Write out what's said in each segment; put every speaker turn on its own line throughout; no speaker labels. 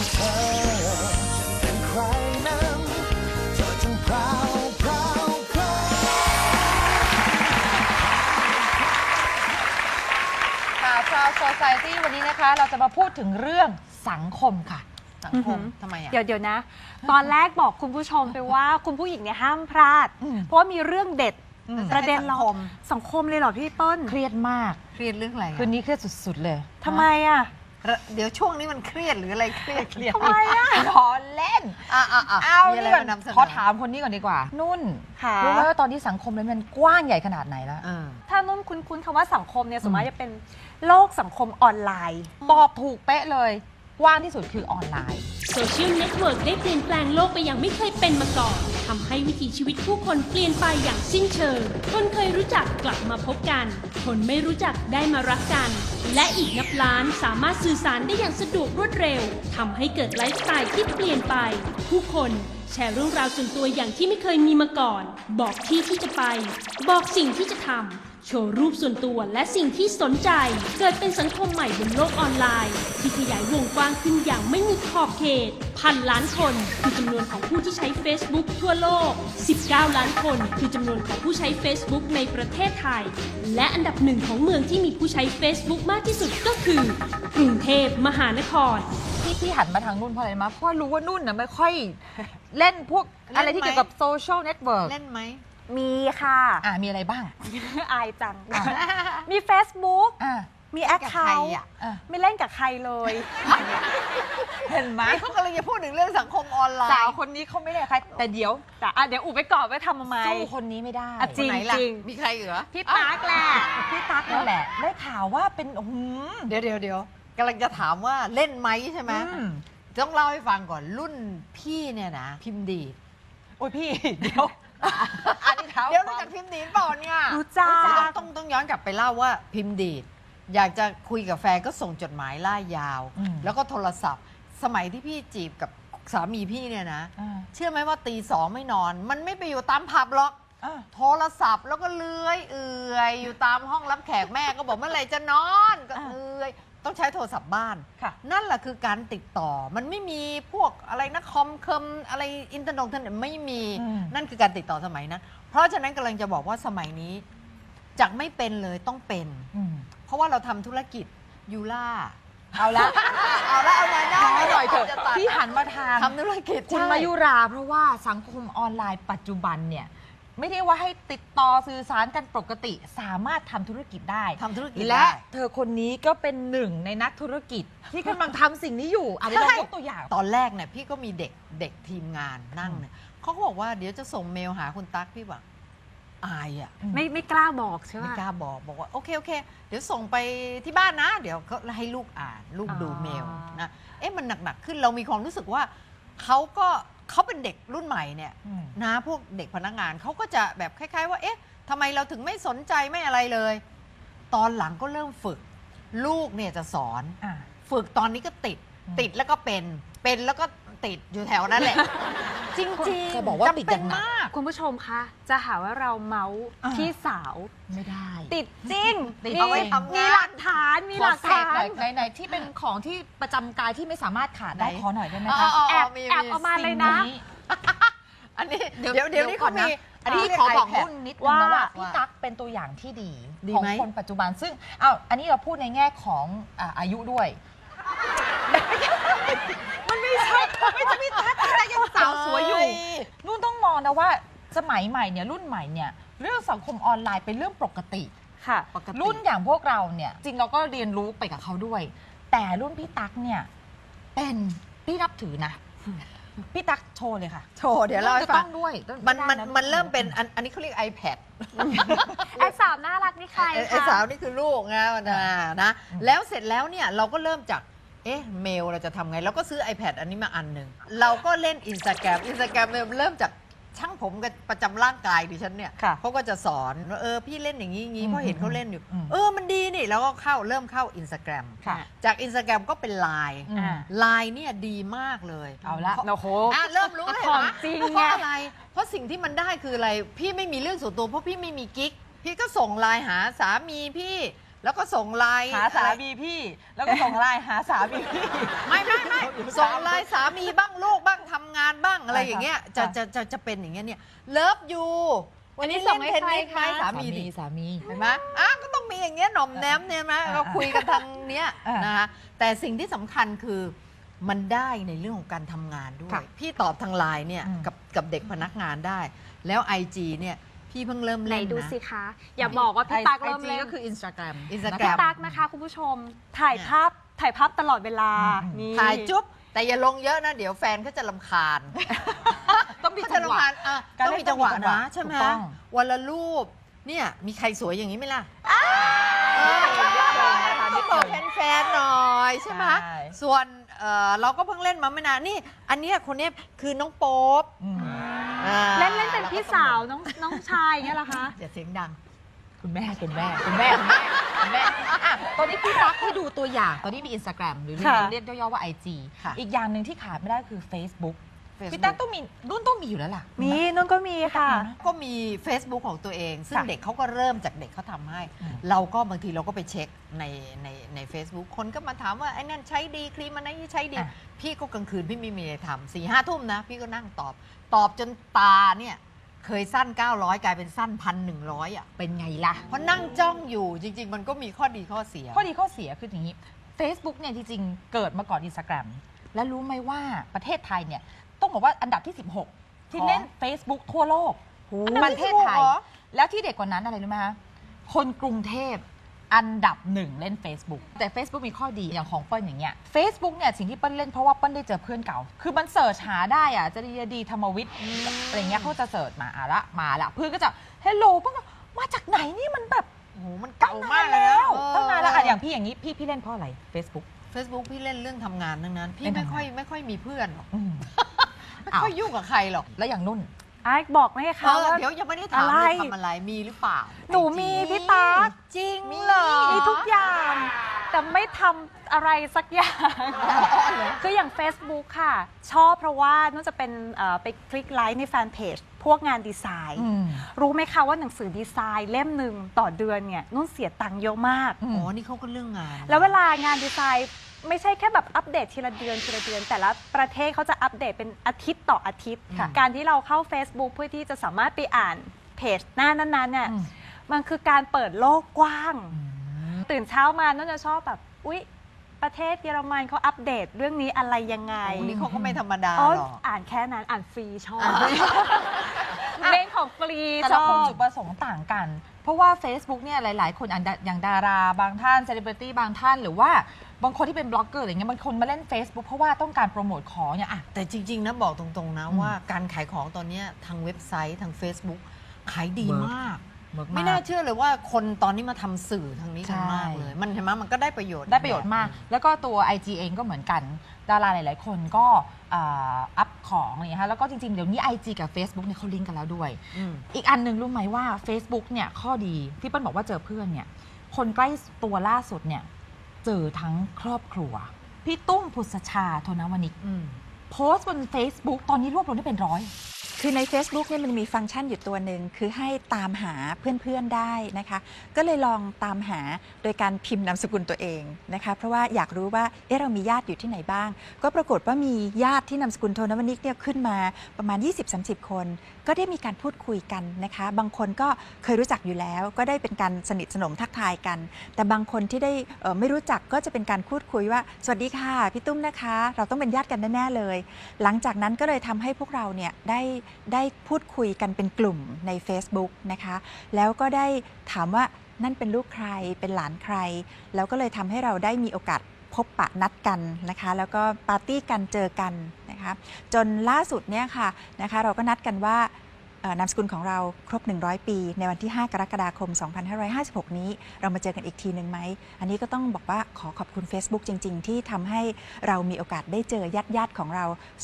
เธอเป็นใครนั้นเธอจงพราวพราวพราว
ค่ะ Proud Society วันนี้นะคะเราจะมาพูดถึงเรื่องสังคมค่ะ
สังคมทำไมอ่ะ
เดี๋ยวนะ ตอนแรกบอกคุณผู้ชมไปว่าคุณผู้หญิงเนี่ยห้ามพลาด เพราะว่ามีเรื่องเด็ดประเด็นเราสังคมเลยเหรอพี่ต้น
เครียดมาก
เครียดเรื่องอะไร
คืนนี้เครียดสุดๆเลย
ทำไมอ่ะ
เดี๋ยวช่วงนี้มันเครียดหรืออะไรเครียด
ทำไมอ่ะ
ขอเล่นเอา
มีอะไร
นี่ก่อน
มานำเสนอ
ขอถามคนนี้ก่อนดีกว่า นุ่น
ค่ะ
รู้ไหมว่าตอนนี้สังคมมันกว้างใหญ่ขนาดไหนแล้ว
ถ้านุ่นคุ้นๆคำว่าสังคมเนี่ยสมมติจะเป็นโลกสังคมออนไลน์
ตอบถูกเป๊ะเลยกว้างที่สุดคือออนไลน์
โซเชียลเน็ตเวิร์กได้เปลี่ยนแปลงโลกไปอย่างไม่เคยเป็นมาก่อนทำให้วิถีชีวิตผู้คนเปลี่ยนไปอย่างสิ้นเชิงคนเคยรู้จักกลับมาพบกันคนไม่รู้จักได้มารักกัน และอีกนับล้านสามารถสื่อสารได้อย่างสะดวกรวดเร็วทำให้เกิดไลฟ์สไตล์ที่เปลี่ยนไป ผู้คนแชร์เรื่องราวส่วนตัวอย่างที่ไม่เคยมีมาก่อน บอกที่ที่จะไป บอกสิ่งที่จะทำโชว์รูปส่วนตัวและสิ่งที่สนใจเกิดเป็นสังคมใหม่บนโลกออนไลน์ที่ขยายวงกว้างขึ้นอย่างไม่มีขอบเขตพันล้านคนคือจำนวนของผู้ที่ใช้ Facebook ทั่วโลก19ล้านคนคือจำนวนของผู้ใช้ Facebook ในประเทศไทยและอันดับหนึ่งของเมืองที่มีผู้ใช้ Facebook มากที่สุดก็คือกรุงเทพมหานคร
ที่หันมาทางนุ่นเพราะอะไรมาเพราะรู้ว่านุ่นน่ะไม่ค่อยเล่นพวกอะไรที่เกี่ยวกับโซเชียลเน็ตเวิร์ก
เล่นไหม
มีค่ะ
มีอะไรบ้าง
อายจัง มี Facebook มีแอคเคาท์ ไม่เล่นกับใครเลย
เห็นไหม
เขากำลังจะพูดถึงเรื่องสังคมออนไลน์
สาวคนนี้เขาไม่ได้ใครแต่เดี๋ยว
อุบไปก่อนไว้ทำทำไม
สู้คนนี้ไม่ได้
จริง
ไหนล่ะ
จริง
มีใครเหรอ
พี่ตั๊กแหละ
พี่ตั๊กนั่นแหละ ได้ข่าวว่าเป็น
เดี๋ยวกำลังจะถามว่าเล่นไหมใช่ไหมต้องเล่าให้ฟังก่อนรุ่นพี่เนี่ยนะพิมพ์ดีด
โอ้ยพี่เดี๋ยวอันนี้เท้า
เดี๋ยวรู้จักพิมพ์ดีดเปล่าเนี่ย
รู้จัก
ต้องย้อนกลับไปเล่าว่าพิมพ์ดีดอยากจะคุยกับแฟนก็ส่งจดหมายล่ายาว แล้วก็โทรศัพท์ สมัยที่พี่จีบกับสามีพี่เนี่ยนะเชื่อไหมว่าตี 2ไม่นอน มันไม่ไปอยู่ตามผับหรอกโทรศัพท์แล้วก็เลื้อยอยู่ตามห้องรับแขกแม่ก็บอกเมื่อไหร่จะนอนก็เลื้อยต้องใช้โทรศัพท์บ้านนั่นแหละคือการติดต่อมันไม่มีพวกอะไรนะคอมอะไรอินเทอร์เน็ตไม่มีนั่นคือการติดต่อสมัยนั้นเพราะฉะนั้นกำลังจะบอกว่าสมัยนี้จากไม่เป็นเลยต้องเป็นเพราะว่าเราทำธุรกิจยูล่า
เอาหน่อยเถอะพี่หันมา
ทำธุรกิจ
คุณมายุราเพราะว่าสังคมออนไลน์ปัจจุบันเนี่ยไม่ได้ว่าให้ติดต่อสื่อสารกันปกติสามารถทำธุรกิจได้และเธอคนนี้ก็เป็นหนึ่งในนักธุรกิจที่กำลังทำสิ่งนี้อยู่เดี๋ยวเรายกตัวอย่าง
ตอนแรกเนี่ยพี่ก็มีเด็กทีมงานนั่งเนี่ยเขาก็บอกว่าเดี๋ยวจะส่งเมลหาคุณตั๊กพี่บอกอายอ่ะ
ไม่กล้าบอกใช่ไหม
ไม่กล้าบอกว่าโอเคเดี๋ยวส่งไปที่บ้านนะเดี๋ยวเขาให้ลูกอ่านลูกดูเมลนะมันหนักขึ้นเรามีความรู้สึกว่าเขาเป็นเด็กรุ่นใหม่เนี่ยนะพวกเด็กพนักงานเขาก็จะแบบคล้ายๆว่าทำไมเราถึงไม่สนใจไม่อะไรเลยตอนหลังก็เริ่มฝึกลูกเนี่ยจะสอนฝึกตอนนี้ก็ติดแล้วก็เป็นแล้วก็ติดอยู่แถวนั้นแหละจริงๆ
จะบอกว่าติดอย่างมาก
คุณผู้ชมคะจะหาว่าเราเมาส์พี่สาว
ไม่ได้
ติดจริง
เอาไว้ทำงาน
มีหลักฐาน
ไหนที่เป็นของที่ประจำกายที่ไม่สามารถขาดได้ขอหน่อยได้ไหมคะ
แอบเอามาเลยนะ
อันนี้เดี๋ยวนี้เขามี
พี่ขอบอกนุ่นนิดนึงนะว่าพี่ตั๊กเป็นตัวอย่างที่ดีของคนปัจจุบันซึ่งอันนี้เราพูดในแง่ของอายุด้วยมันไม่ใช่พี่ตั๊กแต่ยังสาวสวยอยู่นุ่นต้องมองนะว่าสมัยใหม่เนี่ยรุ่นใหม่เนี่ยเรื่องสังคมออนไลน์เป็นเรื่องปกติ
ค่ะ
รุ่นอย่างพวกเราเนี่ยจริงเราก็เรียนรู้ไปกับเขาด้วยแต่รุ่นพี่ตั๊กเนี่ยเป็นพี่นับถือนะพี่ตั๊กโชว์เลยค่ะ
โชว์เดี๋ยวเรา
จะต้องด้วย
มันเริ่มเป็นอันนี้เขาเรียก iPad
ไอ้สาวน่ารักนี่ใครคะ
ไอ้สาวนี่คือลูกนะแล้วเสร็จแล้วเนี่ยเราก็เริ่มจากเมลเราจะทำไงเราก็ซื้อ iPad อันนี้มาอันหนึ่งเราก็เล่น Instagram เริ่มจากช่างผมกับประจำร่างกายดิฉันเนี่ยเขาก็จะสอนว่าพี่เล่นอย่างนี้เพราะเห็นเขาเล่นอยู่มันดีนี่แล้วก็เริ่มเข้า Instagram จาก Instagram ก็เป็น Line เนี่ยดีมากเลย
เอาละ
โอ้โห
เริ่มรู้เลยนะ
จริง
เพราะอะไรเพราะสิ่งที่มันได้คืออะไรพี่ไม่มีเรื่องส่วนตัวเพราะพี่ไม่มีกิ๊กพี่ก็ส่งไลน์หาสามีพี่แล้วก็ส่งไลน์
หาสามีพี่ แล้วก็ส่งไลน์หาสามีพี่
ไม่ส่งไลน์สามีบ้างลูกบ้างทำงานบ้างอะไร
ค่ะ
อย่างเงี้ย
ค่ะ
จะเป็นอย่างเงี้ยเนี่ยเลิฟยูวันนี้ส่งให้ใครคะสามีดิ
สามี
เห็นไหมก็ต้องมีอย่างเงี้ยหน่อมแนมเนี่ยไหมเราคุยกันทางเนี้ย
อ่าน
นะคะแต่สิ่งที่สำคัญคือมันได้ในเรื่องของการทำงานด้วย
ค่ะ
พี่ตอบทางไลน์เนี่ย
อืม
กับเด็กพนักงานได้ แล้ว IG เนี่ยพี่เพิ่งเริ่ม
ไหน
เล่น
ดู
นะ
สิคะ อย่าบอกว่าพี่ตั๊กเริ่ม
IG
เล่น
ก็คือ Instagram
Instagram
พี่ตั๊กนะคะคุณผู้ชมถ่ายภาพตลอดเวลา
อืม
นี่
ถ่ายจุ๊บแต่อย่าลงเยอะนะเดี๋ยวแฟนเขาจะรำคาญ
ต้องมี
เขา
จั
จะ
งหวะ
รำคาญ
การ
ต้อง
เล่น
มีจังหวะ
ต้องมีจังหวะ
นะใช่ไหม
ถูกต้อง
วันละรูปเนี่ยมีใครสวยอย่างนี้ไหมล่ะ ต้องบอกแฟนๆหน่อยใช่ไหม
ใช่
ส่วนเราก็เพิ่งเล่นมาไม่นานนี่อันเนี้ยคนเนี้ยคือน้องโป๊ป
อืม
เล่นเป็นพี่สาวน้องชายอย่างเงี้ยเหรอคะ
อย่าเสียงดัง
คุณแม่อ่ะตอนนี้พี่ตั๊กให้ดูตัวอย่าง ตอนนี้มี Instagram หรือ
ค่ะ
เรียกย่อๆว่า IG
ค่ะ
อีกอย่างหนึ่งที่ขาดไม่ได้คือ Facebook
Facebook
พี่ตั๊กต้องมีรุ่นต้องมีอยู่แล้วล่ะ
มีนุ่นก็มีค่ะ
ก็มี Facebook ของตัวเอง ซึ่ง
ค่ะ
เด็กเขาก็เริ่มจากเด็กเขาทำให้
อืม
เราก็บางทีเราก็ไปเช็คใน Facebook คนก็มาถามว่าไอ้นั่นใช้ดีครีมอันนั้นใช้ดี พี่ก็กลางคืนพี่ไม่มีอะไรทำ4-5 ทุ่มนะ พี่ก็นั่งตอบจนตาเนี่ยเคยสั้น 900 กลายเป็นสั้น 1,100อ่ะ
เป็นไงล่ะ
เพราะนั่งจ้องอยู่จริง ๆ มันก็มีข้อดีข้อเสีย
ข้อดีข้อเสียคืออย่างนี้ Facebook เนี่ยจริงๆ เกิดมาก่อน Instagram และรู้ไหมว่าประเทศไทยเนี่ยต้องบอกว่าอันดับที่ 16 ที่เล่น Facebook ทั่วโลก ประเทศไทย
เหรอ
แล้วที่เด็กกว่านั้นอะไรรู้ไหมคะคนกรุงเทพอันดับ 1 เล่น Facebook แต่ Facebook มีข้อดีอย่างของเปิ้ลอย่างเงี้ย Facebook เนี่ยสิ่งที่เปิ้ลเล่นเพราะว่าเปิ้ลได้เจอเพื่อนเก่า คือมันเสิร์ชหาได้อะจะดีธรรมวิทย์อะไรเงี้ยเขาจะเสิร์ชมามาละเพื่อนก็จะเฮลโลเปิ้ลก็มาจากไหนนี่มันแบบ
โอ้โหมันเก่ามากเลยนะ
ตั้งนานแล้วอะอย่างพี่อย่างนี้พี่เล่นเพราะอะไร Facebook
Facebook พี่เล่นเรื่องทำงานทั้งนั้น พี่
เล่น
ไม่
ทำงาน
ค่อยมีเพื่อนหรอก
อืม
ไม่ค่อยยุ่งกับใครหรอก
แล้วอย่างนุ่น
ไอ้บอกไหมคะว่า
เดี๋ยวยังไม่ได้ถาม
อะไร
เลยทำอะไรมีหรือเปล่า
หนูมีพี่ตั๊ก
จริงเหรอ
มีทุกอย่าง แต่ไม่ทำอะไรสักอย่าง คืออย่าง Facebook ค่ะ ชอบเพราะว่านุ่นจะเป็นไปคลิกไลค์ในแฟนเพจพวกงานดีไซน์ รู้ไหมคะว่าหนังสือดีไซน์เล่มหนึ่งต่อเดือนเนี่ยนุ่นเสียตังค์เยอะมาก
อ๋อ นี่เขาก็เรื่องงาน
แล้วเวลางานดีไซน์ไม่ใช่แค่แบบอัปเดตทีละเดือน แต่ละประเทศเขาจะอัปเดตเป็นอาทิตย์ต่ออาทิตย์
ค่ะ
การที่เราเข้า Facebook เพื่อที่จะสามารถไปอ่านเพจหน้านั้นๆเนี่ย
อืม
มันคือการเปิดโลกกว้าง ตื่นเช้ามาน่าจะชอบแบบอุ๊ยประเทศเยอรมันเขาอัปเดตเรื่องนี้อะไรยังไง
โอ้นี่เขาก็ไม่ธรรมดา
อ๋อ
หรอก
อ่านแค่นั้นอ่านฟรีชอบเล่นของฟรี
แต่
ช
ละ
อ
คน
บ
จุดประสงค์ต่างกัน เพราะว่า Facebook เนี่ยหลาย ๆ คนอย่างดาราบางท่านเซเลบริตี้บางท่าน หรือว่าบางคนที่เป็นบล็อกเกอร์อะไรเงี้ยบางคนมาเล่น Facebook เพราะว่าต้องการโปรโมทของเนี่ยอะ
แต่จริง ๆ นะบอกตรง ๆ นะ
อืม
ว่าการขายของตอนเนี้ยทางเว็บไซต์ทาง Facebook ขายดี
เวิร์ก
มาก
เวิร์กมาก
ไม่น่าเชื่อเลยว่าคนตอนนี้มาทำสื่อทางนี้กันมากเลย มันเห็นไหมมันก็ได้ประโยชน์
ได้ประโยชน์มาก แล้วก็ตัว IG เองก็เหมือนกัน ดาราหลาย ๆ คนก็อัพของอะไรเงี้ยค่ะแล้วก็จริง ๆ เดี๋ยวนี้ IG กับ Facebook เนี่ยเขาลิงก์กันแล้วด้วย
อืม
อีกอันหนึ่งรู้ไหมว่า Facebook เนี่ยข้อดีที่เปิ้ลบอกว่าเจอเพื่อนเนี่ยคนใกล้ตัวล่าสุดเนี่ยเจอทั้งครอบครัว พี่ตุ้มพุทธชาโทนวนิก
อืม
โพสต์บน Facebook ตอนนี้รวบรวมได้เป็นร้อย
คือใน Facebook เนี่ยมันมีฟังก์ชันอยู่ตัวหนึ่งคือให้ตามหาเพื่อนๆได้นะคะ ก็เลยลองตามหาโดยการพิมพ์นามสกุลตัวเองนะคะเพราะว่าอยากรู้ว่าเรามีญาติอยู่ที่ไหนบ้าง ก็ปรากฏว่ามีญาติที่นามสกุลโทนวนิกเนี่ยขึ้นมาประมาณ 20-30 คน ก็ได้มีการพูดคุยกันนะคะ บางคนก็เคยรู้จักอยู่แล้ว ก็ได้เป็นการสนิทสนมทักทายกัน แต่บางคนที่ได้ไม่รู้จักก็จะเป็นการพูดคุยว่าสวัสดีค่ะพี่ตุ้มนะคะ เราต้องเป็นญาติกันแน่ๆเลย หลังจากนั้นก็เลยทำให้พวกเราเนี่ยได้พูดคุยกันเป็นกลุ่มใน Facebook นะคะแล้วก็ได้ถามว่านั่นเป็นลูกใครเป็นหลานใคร แล้วก็เลยทำให้เราได้มีโอกาสพบปะนัดกันนะคะแล้วก็ปาร์ตี้กันเจอกันนะคะจนล่าสุดเนี่ยค่ะนะคะเราก็นัดกันว่านามสกุลของเราครบ100 ปีในวันที่ 5 กรกฎาคม 2556 นี้เรามาเจอกันอีกทีหนึ่งไหมอันนี้ก็ต้องบอกว่าขอขอบคุณ Facebook จริง ๆ ที่ทำให้เรามีโอกาสได้เจอญาติของเรา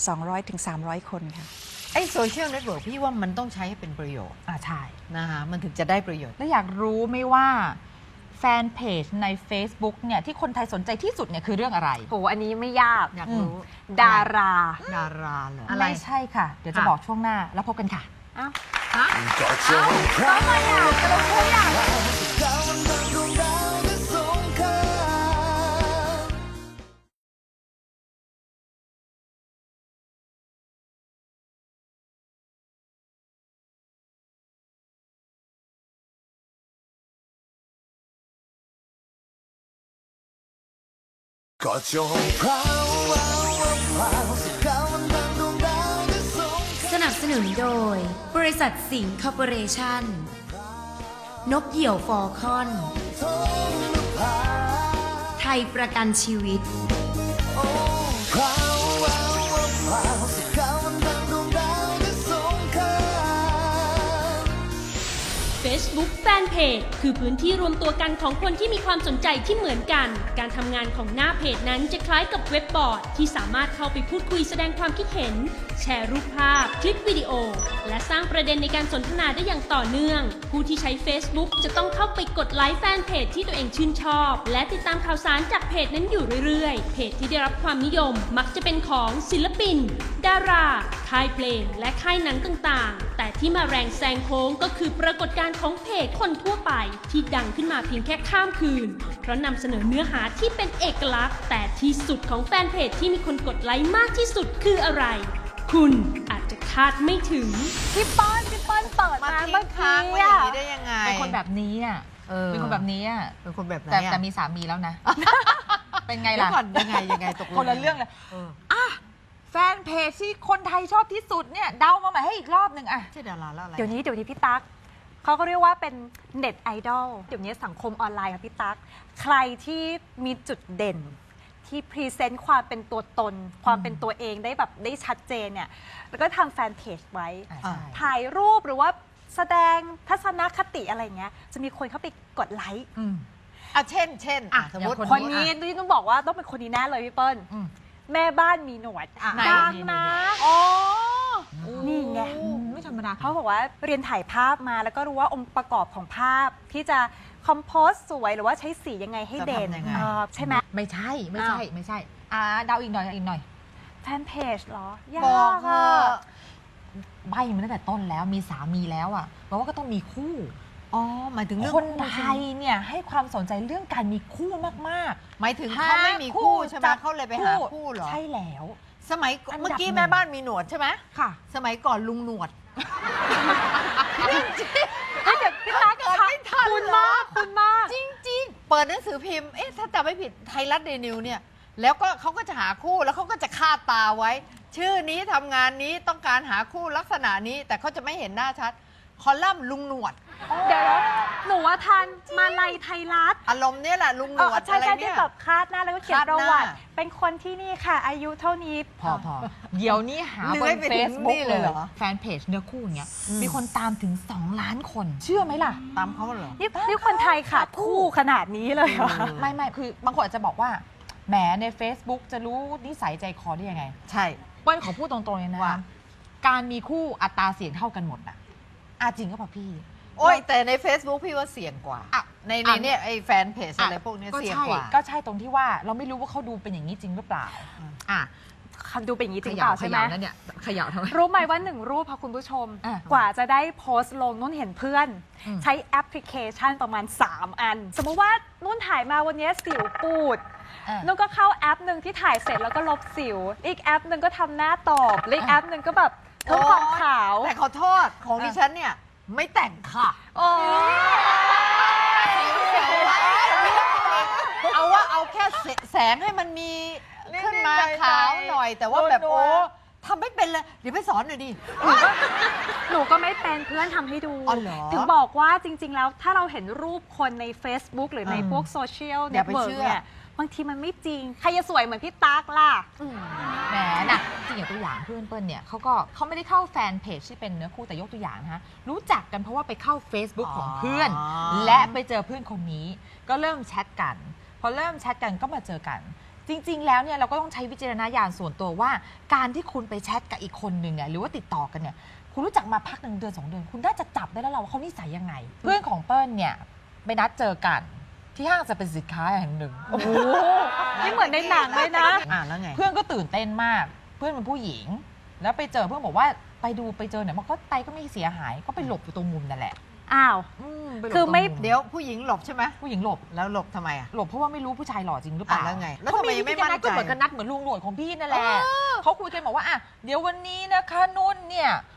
200-300 คนค่ะ
ไอ้โซเชียลเน็ตเวิร์กพี่ว่ามันต้องใช้ให้เป็นประโยชน์
ใช่
นะคะมันถึงจะได้ประโยชน์
แล้วอยากรู้ไหมว่าแฟนเพจใน Facebook เนี่ยที่คนไทยสนใจที่สุดเนี่ยคือเรื่องอะไร
โหอันนี้ไม่ยาก
อยากรู้
ดารา
ดาราเหรอ
ไม่ใช่ค่ะ เดี๋ยวจะ
ค่ะ
บอกช่วงหน้าแล้วพบกันค่ะ
อ้าว
ก็จะให้ใครเราดาวดวงดาวจะสก็จงพราวพราวพราวสักก้าวมันดังดวงดาวที่สูง
สนับสนุนโดย บริษัทสิงห์คอร์ปอเรชั่น นกเหยี่ยวฟอลคอน
ท้องนภา
ไทยประกันชีวิต
โอ้พราวพราวพราวสักก้าวมันดังดวงดาวที่สูงค่า
Facebook Fanpage คือพื้นที่รวมตัวกันของคนที่มีความสนใจที่เหมือนกัน การทำงานของหน้าเพจนั้นจะคล้ายกับเว็บบอร์ดที่สามารถเข้าไปพูดคุยแสดงความคิดเห็น แชร์รูปภาพ คลิปวิดีโอ และสร้างประเด็นในการสนทนาได้อย่างต่อเนื่อง ผู้ที่ใช้ Facebook จะต้องเข้าไปกดไลค์แฟนเพจที่ตัวเองชื่นชอบ และติดตามข่าวสารจากเพจนั้นอยู่เรื่อยๆ เพจที่ได้รับความนิยมมักจะเป็นของศิลปิน ดารา ค่ายเพลง และค่ายหนังต่างๆ แต่ที่มาแรงแซงโค้งก็คือปรากฏการณ์ของเพจคนทั่วไปที่ดังขึ้นมาเพียงแค่ข้ามคืน เพราะนำเสนอเนื้อหาที่เป็นเอกลักษณ์ แต่ที่สุดของแฟนเพจที่มีคนกดไลค์มากที่สุดคืออะไร คุณอาจจะคาดไม่ถึง
พี่เปิ้ลเปิด
มา
มา
ทิ้
เมื่อง
ค้าง
กี้
ไว้อย่า
อะ
งนี้ได้ยังไง
เป็นคนแบบนี้อ่ะ เป็นคนแบบนี้อ่ะ
เป็นคนแบบไหน
แต่มีสามีแล้วนะ เป็นไง
เดี๋ย
ล่ะ
วก่อนยังไงตกลง
คนละเรื่องเลย
เออ
อ่ะแฟนเพจที่คนไทยชอบที่สุดเนี่ยเดามาใหม่ให้อีกรอบหนึ่งอ่ะ
ชื่อดาราแล้วอะไร
เดี๋ยวนี้พี่ตั๊กเขาก็เรียกว่าเป็นเน็ตไอดอลเดี๋ยวนี้สังคมออนไลน์ค่ะพี่ตั๊กใครที่มีจุดเด่น ที่พรีเซนต์ความเป็นตัวตน ความเป็นตัวเองได้แบบได้ชัดเจนเนี่ยแล้วก็ทำแฟนเพจไว้
ใช่
ถ่ายรูปหรือว่าแสดงทัศนคติอะไรเงี้ยจะมีคนเข้าไปกดไลค์
อ่ะเช่น
อ่ะ
สมมติ
อย่าง
คนนี้ที่ต้องบอกว่าต้องเป็นคนนี้แน่เลยพี่เปิ้ล
อืม
แม่บ้านมีหนวด
อ่ะ
ดัง
นี่
นะ
อ๋อ
นี่ไง
ไม่ธรรมดา
เขาบอกว่าเรียนถ่ายภาพมาแล้วก็รู้ว่าองค์ประกอบของภาพที่จะคอมโพสสวยหรือว่าใช้สียังไงให้เด่น
จะทำยังไง
ใช่ไหม
ไม่ใช่ไม่ใช่เดาอีกหน่อย
แฟนเพจเหรอ ยา
บอก
ก
เถ
อะ
อะ
ใบมาตั้งแต่ต้นแล้วมีสามีแล้วอ่ะแปลว่าก็ต้องมีคู่
อ๋อหมายถึงเรื่อง
คน
คู่
ไท
ใช่ไหม
ยเนี่ยให้ความสนใจเรื่องการมีคู่มาก
หมายถึง
ๆ
เขาไม่มีคู่ใช่ไหม
จับ
เขาเลยไปหาคู่เหรอ
ใช่แล้ว
สมัยก่อน
อันดับ
เมื่อกี้
หนึ่ง
แม่บ้านมีหนวดใช่ไหม
ค่ะ
สมัยก่อนลุงหนวด
เฮ้ยเดี๋ยวพี่ตั๊ก
เกิดไม่ทัน
คุณ
เหรอ
มากคุณมาก
จริง ๆ เปิดหนังสือพิมพ์ เอ๊ะ ถ้าจำไม่ผิดไทยรัฐเดนิวเนี่ย แล้วก็เขาก็จะหาคู่แล้วเขาก็จะคาดตาไว้ ชื่อนี้ทำงานนี้ต้องการหาคู่ลักษณะนี้ แต่เขาจะไม่เห็นหน้าชัด คอลัมน์ลุงหนวด
เดี๋ยวหนูว่าทันมาลัยไทยรัฐ
อารมณ์เนี่ยแหละลุงหนวด
ใช่
อะไร
ใช่
เนี่
ที่
ย
แบบคาดหน้าแล้วก็เขียน
คาดห
ป
น้า
ระวัติ เป็นคนที่นี่ค่ะ อายุเท่านี้
พอเดี๋ยวนี้หา
เลื้
บ
อย
น
ไปถึง
เฟซบุ๊
นี่
ก
เล
เลย ย
เหรอ
แฟนเพจเนื้อคู่อย่างเงี้ยมีคนตามถึง 2 ล้านคน เชื่อไหมล่ะ
ตามเขาเหรอ
นี่คนไทยขาดคู่ขนาดนี้เลยเหรอ
ไม่คือบางคนอาจจะบอกว่าแหมใน Facebook จะรู้นิสัยใจคอได้ยังไง
ใช่
เปิ้ลขอพูดตรงๆเลยนะ
ว่า
การมีคู่อัตราเสี่ยงเท่ากันหมดน่ะจริงก็ป่ะพี่
โอ้ยแต่ใน Facebook พี่ว่าเสี่ยงกว่า
อ่ะ
ในเนี่ยไอ้แฟนเพจอะไรพวกเนี้ยเสี่ยงกว่า
ก็ใช่ตรงที่ว่าเราไม่รู้ว่าเขาดูเป็นอย่างนี้จริงหรือเปล่า อ่ะ
ดูเป็นอย่างนี้จริงเปล่าใช่ไหม
นั่นเนี่ยเขย่าทำไม
รู้ไหมว่าหนึ่งรูปค่ะคุณผู้ชม
อ่ะ
กว่าจะได้โพสต์ลงนุ่นเห็นเพื่อน
อืม
ใช้แอปพลิเคชันประมาณ 3 อัน สมมติว่านุ่นถ่ายมาวันนี้สิวปูด นุ่นก็เข้าแอปหนึ่งที่ถ่ายเสร็จแล้วก็ลบสิว อีกแอปหนึ่งก็ทำหน้าตอบและอีกแอปหนึ่งก็แบบเพิ่มความขาว
แต่ขอโทษของดิฉันเนี่ย ไม่แต่งค่ะ
โอ้
เอาว่าเอาแค่แสงให้มันมีขึ้นมาขาวหน่อย แต่ว่าแบบโอ้ทำไม่เป็นเลย เดี๋ยวไปสอนหน่อยดิ
หนูก็ไม่เป็นเพื่อนทำให้ดู
อ๋อเหรอ
ถึงบอกว่าจริง ๆ แล้วถ้าเราเห็นรูปคนใน Facebook หรือใน
อืม
พวกโซเชียล
อ
เน็
ย่า
ต
ไป
เวิร์
เชื่
ก
อ
เนี่ยบางทีมันไม่จริง ใครจะสวยเหมือนพี่ตั๊กล่ะ
แหมนะจริงอย่างตัวอย่างเพื่อนเปิ้ลเนี่ยเขาไม่ได้เข้าแฟนเพจที่เป็นเนื้อคู่แต่ยกตัวอย่างนะคะรู้จักกันเพราะว่าไปเข้า Facebook ของเพื่อน และไปเจอเพื่อนคนนี้ก็เริ่มแชทกัน พอเริ่มแชทกันก็มาเจอกัน จริง ๆ แล้วเนี่ยเราก็ต้องใช้วิจารณญาณส่วนตัวว่าการที่คุณไปแชทกับอีกคนหนึ่งเนี่ยหรือว่าติดต่อกันเนี่ยคุณรู้จักมาพัก1 เดือน 2 เดือน คุณน่าจะจับได้แล้วเราว่าเขานิสัยยังไง เพื่อนของเปิ้ลเนี่ยไปนัดเจอกันที่ห้างจะเป็นสินค้าแห่งหนึ่ง
โอ้โหนี่เหมือนในหนังเลยนะ
แล้วไง
เพื่อนก็ตื่นเต้นมาก เพื่อนเป็นผู้หญิง แล้วไปเจอเพื่อนบอกว่าไปเจอเนี่ยมันก็ไปก็ไม่เสียหายก็ไปหลบอยู่ตรงมุมนั่นแหละ
อ้าว
ปหลบ
คือไม่
ตรง
เดี๋ยวผู้หญิงหลบใช่ไหม
ผู้หญิงหลบ
แล้วหลบทำไมอ่ะ
หลบเพราะว่าไม่รู้ผู้ชายหล่อจริงหรือเปล่า
แล้วไงแล้ว
เขา
ทำไม
มี
ยังไม่
วิธีการนัด
มั่นใจ
ก็เหมือนกันนัดเหมือนลุงหนวดของพี่นั่นแหละเขาคุยกันบอกว่าอ่ะเดี๋ยววันนี้นะคะนุ่นเนี่ย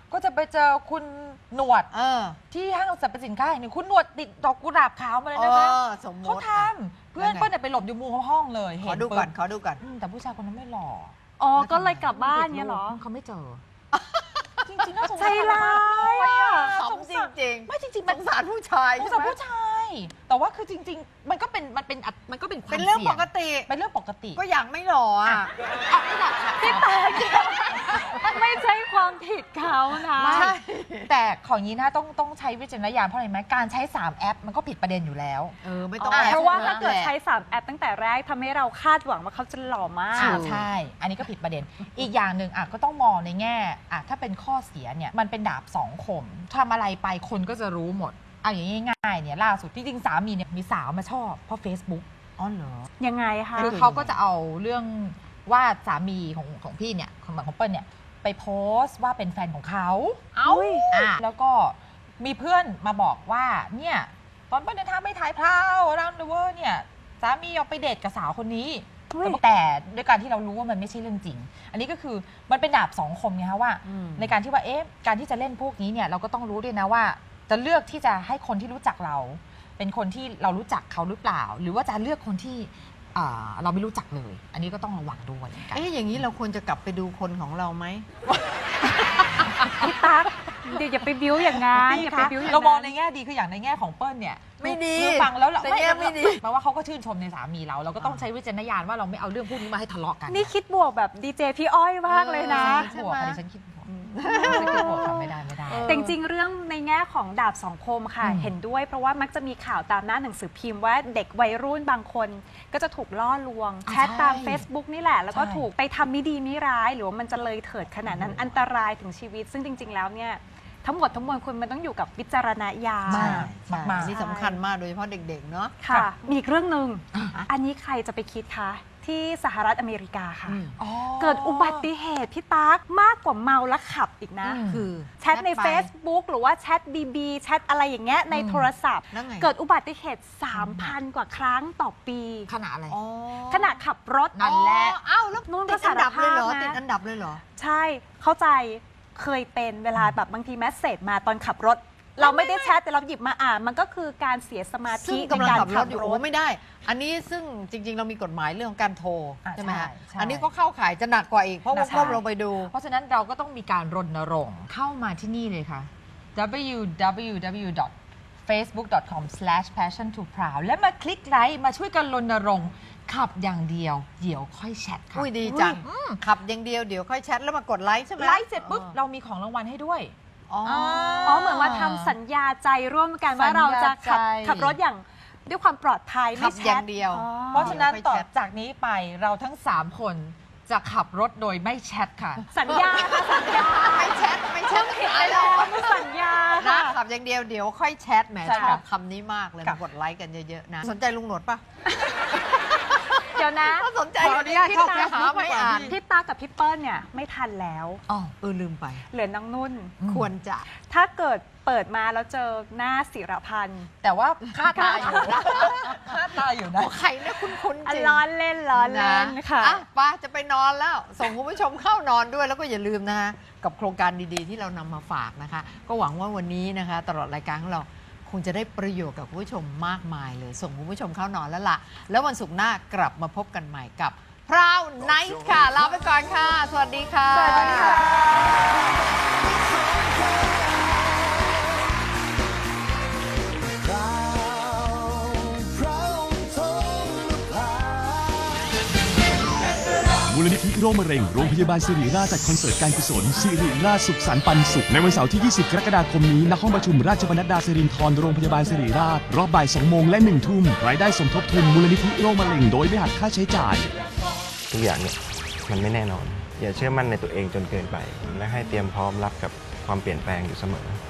ก็จะไปเจอคุณหนวด ที่ห้างสรรพสินค้าแห่งหนึ่งคุณหนวดติดดอกกุหลาบขาวมาเลยนะคะ
สมม
เขา
ติ
ทำเพื่อนเปิ้ลเนี่ยไปหลบอยู่มุมห้องเลย
ข
เห็
อน ดูก่อน
ปุ๊บ
ขอดูก่อน
แต่ผู้ชายคนนั้นไม่หล่อ
อ๋อ ก็เลยกลับบ้านเนี้ยเหรอ
เขาไม่เจอ จริงๆน่าสง
ใจ
สาร
ร้ายอ่ะ
ขำจริงๆ
ไม่จริงๆ
ส
มัน
งสารผู้ชาย
สง
ใช่
สาร
ไหม
ผู้ชาย แต่ว่าคือจริง ๆ มันก็เป็นความ
เป็นเรื่อง
สี่ย
ปกติ
เป็นเรื่องปกติ
ก็อย่างไม่หล่ออ่ะ
พี่ตาไม่ใช่ความผิดเขานะ
ไม่แต่ของนี้นะต้องใช้วิจารณญาณเพราะอะไรไหมการใช้3แอปมันก็ผิดประเด็นอยู่แล้ว
ไม่ต้อง
เพราะว่า
แอบ
ถ้าเกิด
แหละ
ใช้3แอปตั้งแต่แรกทำให้เราคาดหวังว่าเขาจะหล่อมาก
ใช่ อันนี้ก็ผิดประเด็น อีกอย่างหนึ่งก็ต้องมองในแง่ถ้าเป็นข้อเสียเนี่ยมันเป็นดาบสองคมทำอะไรไปคนก็จะรู้หมดเอาอย่างง่ายๆเนี่ยล่าสุดที่จริงสามีเนี่ยมีสาวมาชอบเพราะ Facebook
อ๋อเหรอ
ยังไงคะ
คือเขาก็จะเอาเรื่องว่าสามีของพี่เนี่ยของเปิ้ลเนี่ยไปโพสต์ว่าเป็นแฟนของเขาแล้วก็มีเพื่อนมาบอกว่าเนี่ยตอนเปิ้ลเดินทางไปถ่ายพราวรันเดอร์เนี่ยสามีเอาไปเดทกับสาวคนนี้แต่ด้วยการที่เรารู้ว่ามันไม่ใช่เรื่องจริง อันนี้ก็คือมันเป็นดาบสองคมไงคะว่าในการที่ว่าการที่จะเล่นพวกนี้เนี่ยเราก็ต้องรู้ด้วยนะว่าจะเลือกที่จะให้คนที่รู้จักเรา เป็นคนที่เรารู้จักเขาหรือเปล่า หรือว่าจะเลือกคนที่เราไม่รู้จักเลย อันนี้ก็ต้องระวังด้วยเหมือนกัน
อย่างนี้เราควรจะกลับไปดูคนของเราไหม
พี่ตั๊กเดี๋ยวอย่าไปบิ้วอย่างนั้นอย่าไปบิ้วอย่างนั้น
เรามองในแง่ดีคืออย่างในแง่ของเปิ้ลเนี่ย
ไม่ดี
คือฟังแล้วเรา
ในแง่ไม่ดี
แปลว่าเขาก็ชื่นชมในสามีเราก็ต้องใช้วิจารณญาณว่าเราไม่เอาเรื่องพวกนี้มาให้ทะเลาะกัน
นี่คิดบวกแบบดีเจพี่อ้อยมากเลยนะ
ฉันคิดบวกอันนี้ฉันคิดบวกฉันคิดบวกค่ะไม่ได้
แต่จริงๆเรื่องในแง่ของดาบสองคมค่ะ เห็นด้วยเพราะว่ามักจะมีข่าวตามหน้าหนังสือพิมพ์ว่าเด็กวัยรุ่นบางคนก็จะถูกล่อลวงแชทตาม Facebook นี่แหละ แล้วก็ถูกไปทำไม่ดีไม่ร้าย หรือว่ามันจะเลยเถิดขนาดนั้นอันตรายถึงชีวิต ซึ่งจริง ๆ แล้วเนี่ยทั้งหมดทั้งมวลคุณมันต้องอยู่กับวิจารณญาณ
มาก
นี่สำคัญมากโดยเฉพาะเด็กๆเนาะ
ค่ะมีอีกเรื่องหนึ่งอันนี้ใครจะไปคิดคะที่สหรัฐอเมริกาค่ะ เกิดอุบัติเหตุพี่ตั๊กมากกว่าเมาแล้วขับอีกนะ
คือ
แชทใน Facebook หรือว่าแชท BB แชทอะไรอย่างเงี้ยในโทรศัพท์
แล้วไง
เกิดอุบัติเหตุ 3,000 กว่าครั้งต่อปี
ขนาดอะไร
ขณะขับรถ
นั่นแหละ
แล้ว
นู่น
ติ
ก็
ดอันดับเลยเหรอ
สารภาพนะ
ติดอันดับเลยเหรอ
ใช่เข้าใจเคยเป็นเวลาแบบบางทีแมสเซจมาตอนขับรถ เราไม่ได้แชทแต่เราหยิบมาอ่านมันก็คือการเสียสมา
ซึ่
ธิ
ง
ใน
กำลัง
การ
ขับร
ขั
ถ
บ
อยู่
ร
โอ้
ถ
ไม่ได้ อันนี้ซึ่งจริง ๆ เรามีกฎหมายเรื่องของการโทรใช่ไหมฮะ
ใช่
อันนี้ก็เข้าข่ายจะหนักกว่าอีกเพราะว่า
ใช่
ก้มลงไปดู
เพราะฉะนั้นเราก็ต้องมีการรณรงค์เข้ามาที่นี่เลยค่ะ www.facebook.com/passion2proud และมาคลิกไลค์มาช่วยกันรณรงค์ขับอย่างเดียวเดี๋ยวค่อยแชทค่ะ
อุ้ยดีจังขับอย่างเดียวเดี๋ยวค่อยแชทแล้วมากดไลค์ใช่ไหม
ไลค์เสร็จปุ๊บเรามีของรางวัลให้ด้วย
อ๋อ
อ๋อเหมือนว่าทำสัญญาใจร่วมกันว่าเราจะขับรถอย่างด้วยความปลอดภัย
ขั
ไม่
บ
แช
อย่า
ท
งเดียว
เพราะฉะนั้น
เดี๋ยว
ต่อ
ค่อยแชท
จากนี้ไปเราทั้ง 3 คนจะขับรถโดยไม่แชทค่ะ
สัญญาค่ะสัญญา
ไม่แชทไม่แชท
ผิดไปแล้วไม่สัญญา
นะ
ค่ะ
ขับอย่างเดียวเดี๋ยวค่อยแชทแหม
ใช่
ชอบ
ค่ะ
คำนี้มากเลย
ค่ะ
มากดไลค์กันเยอะๆนะสนใจลุงหนวดปะ
เดี๋ยวนะ
ถ้าสนใจ
ขออนุญาต
พี่
เข้า
ตาหาไม่อ่าน
พี่ตากับพี่เปิ้ลเนี่ยไม่ทันแล้ว
อ๋อ
ลืมไป
เหลือน้องนุ่น
ควรจะ
ถ้าเกิดเปิดมาแล้วเจอหน้าศิรพันธ์
แต่ว่าค่าตาอยู่นะค่าตาอยู่นะ
ใครเนี่ยคุ้นๆจริง
ล้อเล่นล้อเล่นค่ะ
อ่ไปจะไปนอนแล้ว ส่งคุณผู้ชมเข้านอนด้วยแล้วก็อย่าลืมนะคะกับโครงการดีๆ ที่เรานำมาฝากนะคะ ก็หวังว่าวันนี้นะคะ ตลอดรายการของเราคงจะได้ประโยชน์กับคุณผู้ชมมากมายเลย ส่งคุณผู้ชมเข้านอนแล้วล่ะ แล้ววันศุกร์หน้ากลับมาพบกันใหม่กับพราวไนท์ค่ะลาไปก่อนค่ะ สวัสดีค่ะ
สวัสดีค่ะ
มูลนิธิโรคมะเร็งโรงพยาบาลสิริราชจัดคอนเสิร์ตการกุศลสิริราชสุขสันต์ปันสุขในวันเสาร์ที่ 20 กรกฎาคมนี้ณห้องประชุมราชบรรณดาสิรินธรโรงพยาบาลสิริราชรอบบ่าย 2 โมงและ 1 ทุ่มรายได้สมทบทุนมูลนิธิโรคมะเร็งโดยไม่หักค่าใช้จ่าย
ทุกอย่างเนี่ยมันไม่แน่นอน อย่าเชื่อมั่นในตัวเองจนเกินไป และให้เตรียมพร้อมรับกับความเปลี่ยนแปลงอยู่เสมอ